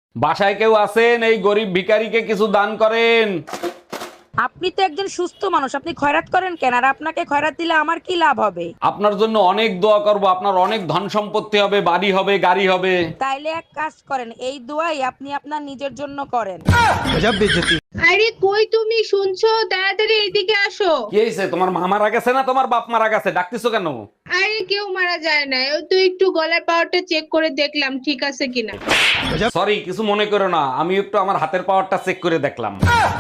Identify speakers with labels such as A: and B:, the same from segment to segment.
A: বাসায় কেউ আছেন? এই গরিব ভিখারিকে কিছু দান করেন।
B: আপনি তো একজন সুস্থ মানুষ, আপনি খয়রাত করেন কেন? আর আপনাকে খয়রাত দিলে আমার কি লাভ হবে?
A: আপনার জন্য অনেক দোয়া করব, আপনার অনেক ধন সম্পত্তি হবে, বাড়ি হবে, গাড়ি হবে।
B: তাইলে এক কাজ করেন, এই দোয়াই আপনি আপনার নিজের জন্য করেন।
C: আরে কই তুমি শুনছো? তাড়াতাড়ি এদিকে আসো।
A: কি হয়েছে? তোমার মা মারা গেছে না তোমার বাপ মারা গেছে? ডাকতেছো কেন?
C: আরে কেউ মারা যায় না, ও তো একটু গলার পাওয়ারটা চেক করে দেখলাম ঠিক আছে কিনা।
A: সরি, কিছু মনে করো না, আমি একটু আমার হাতের পাওয়ারটা চেক করে দেখলাম।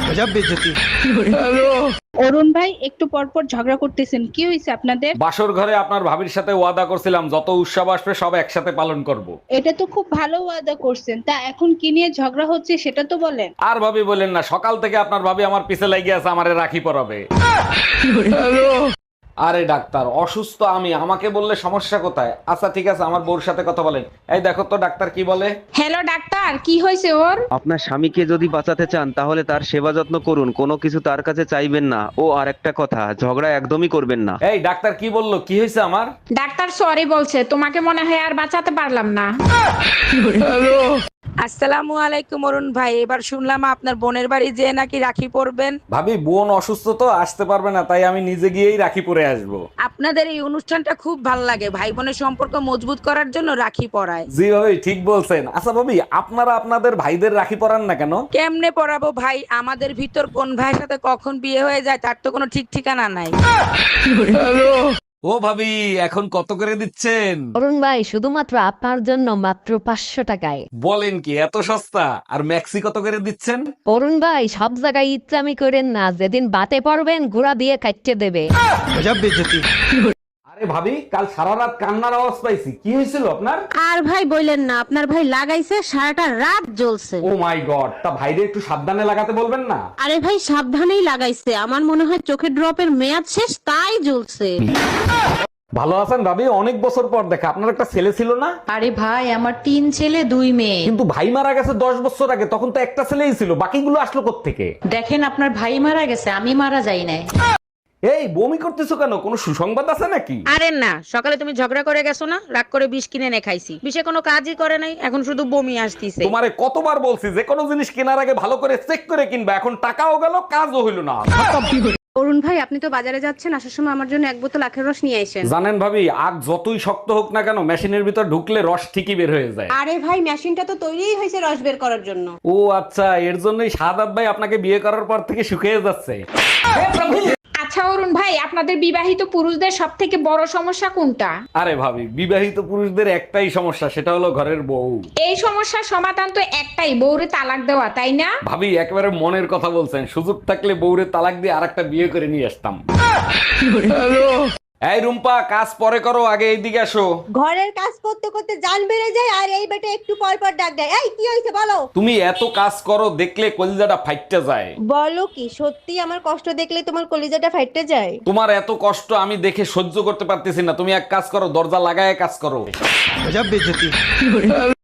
C: অরুণ ভাই একটু পরপর ঝগড়া করতেছেন, কি হয়েছে আপনাদের?
A: বাসর ঘরে আপনার ভাবির সাথে ওয়াদা করছিলাম যত উৎসব আসবে সব একসাথে পালন করব।
C: এটা তো খুব ভালো ওয়াদা করছেন, তা এখন কি নিয়ে ঝগড়া হচ্ছে সেটা তো বলেন।
A: আর ভাবি বলেন না, সকাল থেকে আপনার ভাবি আমার পিছে লাগিয়ে আছে আমারে রাখি পরাবে। আরে ডাক্তার, অসুস্থ আমি, আমাকে বললে সমস্যা কোথায়? আচ্ছা ঠিক আছে, আমার বউর সাথে কথা বলেন। এই দেখো তো ডাক্তার কি বলে।
C: হ্যালো ডাক্তার, কি হয়েছে ওর?
D: আপনার স্বামীকে যদি বাঁচাতে চান তাহলে তার সেবা যত্ন করুন, কোনো কিছু তার কাছে চাইবেন না। ও আরেকটা কথা, ঝগড়া একদমই করবেন না।
A: এই ডাক্তার কি বললো, কি হয়েছে আমার?
E: ডাক্তার সরি বলছে, তোমাকে মনে হয় আর বাঁচাতে পারলাম না।
B: আসসালামু আলাইকুম অরুণ ভাই, এবার শুনলাম আপনার বোনের বাড়ি যেয়ে নাকি রাখি পরবেন।
A: ভাবি বোন অসুস্থ তো আসতে পারবে না, তাই আমি নিজে গিয়েই রাখি পরে আসবো।
B: আপনাদের এই অনুষ্ঠানটা খুব ভালো লাগে, ভাই বোনের সম্পর্ক মজবুত করার জন্য রাখি পরায়।
A: জি ভাবি ঠিক বলছেন। আচ্ছা ভাবি, আপনারা আপনাদের ভাইদের রাখি পরান না কেন?
B: কেমনে পরাবো ভাই, আমাদের ভিতর কোন ভাইয়ের সাথে কখন বিয়ে হয়ে যায় তার তো কোনো ঠিক ঠিকানা নাই।
A: ও ভাবি, এখন কত করে দিচ্ছেন?
F: অরুণ ভাই শুধুমাত্র আপনার জন্য মাত্র 500 টাকায়।
A: বলেন কি, এত সস্তা? আর ম্যাক্সি কত করে দিচ্ছেন?
F: অরুণ ভাই সব জায়গায় ইচ্ছামি করেন না, যেদিন বাতে পারবেন ঘোড়া দিয়ে কাটতে দেবে।
A: আরে ভাবি, কাল সারা রাত কান্নার আওয়াজ পাইছি, কি হয়েছিল আপনার?
G: আর ভাই বললেন না, আপনার ভাই লাগাইছে সারাটা রাত জ্বলছে।
A: ও মাই গড, তা ভাইরে একটু সাবধানে লাগাতে বলবেন না?
G: আরে ভাই সাবধানেই লাগাইছে, আমার মনে হয় চোখের ড্রপের মেয়াদ শেষ তাই জ্বলছে।
A: ভালো আছেন ভাবি? অনেক বছর পর দেখা। আপনার একটা ছেলে ছিল না?
H: আরে ভাই, আমার 3 ছেলে 2 মেয়ে।
A: কিন্তু ভাই মারা গেছে 10 বছর আগে, তখন তো একটা ছেলেই ছিল, বাকিগুলো আসলো কোত্থেকে?
H: দেখেন আপনার ভাই মারা গেছে, আমি মারা যাই নাই।
A: এই বমি করতেছো কেন? কোনো সুসংবাদ আছে নাকি?
B: আরে না, সকালে তুমি ঝগড়া করে গেছো না, রাগ করে বিষ কিনে এনে খাইছি, বিষে কোনো কাজই করে নাই, এখন শুধু বমি আসতিছে।
A: তোমারে কতবার বলছি যে কোনো জিনিস কেনার আগে ভালো করে চেক করে কিনবা, এখন টাকাও গেল কাজও হইল না।
G: অরুণ ভাই আপনি তো বাজারে যাচ্ছেন, আসার সময় আমার জন্য 1 বোতল আখের রস নিয়ে আসেন।
A: জানেন ভাবি, আগ যতই শক্ত হোক না কেন, মেশিনের ভিতর ঢুকলে রস ঠিকই বের হয়ে যায়।
G: আরে ভাই মেশিনটা তো তৈরিই হয়েছে রস বের করার জন্য।
A: ও আচ্ছা, এর জন্যই সাদাত ভাই আপনাকে বিয়ে করার পর থেকে শুকিয়ে যাচ্ছে।
E: আচ্ছা অরুণ ভাই, আপনাদের বিবাহিত পুরুষদের সব থেকে বড় সমস্যা কোনটা?
A: আরে ভাবি, বিবাহিত পুরুষদের একটাই সমস্যা, সেটা হলো ঘরের বউ।
E: এই সমস্যার সমাধান তো একটাই, বউরে তালাক দেওয়া, তাই না?
A: ভাবি একেবারে মনের কথা বলছেন, সুযোগ থাকলে বউরে তালাক দিয়ে আরেকটা বিয়ে করে নিয়ে আসতাম। এই রুম্পা, কাজ পরে করো, আগে এইদিকে আসো।
I: ঘরের কাজ করতে করতে জান বেড়ে যায় আর এই বেটা একটু পর পর ডাক দেয়। এই কি হয়েছে বলো?
A: তুমি এত কাজ করো, দেখলে কলিজাটা ফাইটটা যায়।
I: বলো কি সত্যি আমার কষ্ট দেখলে তোমার কলিজাটা ফাইটে যায়?
A: তোমার এত কষ্ট আমি দেখে সহ্য করতে পারতেছি না, তুমি এক কাজ করো, দরজা লাগায় কাজ করো।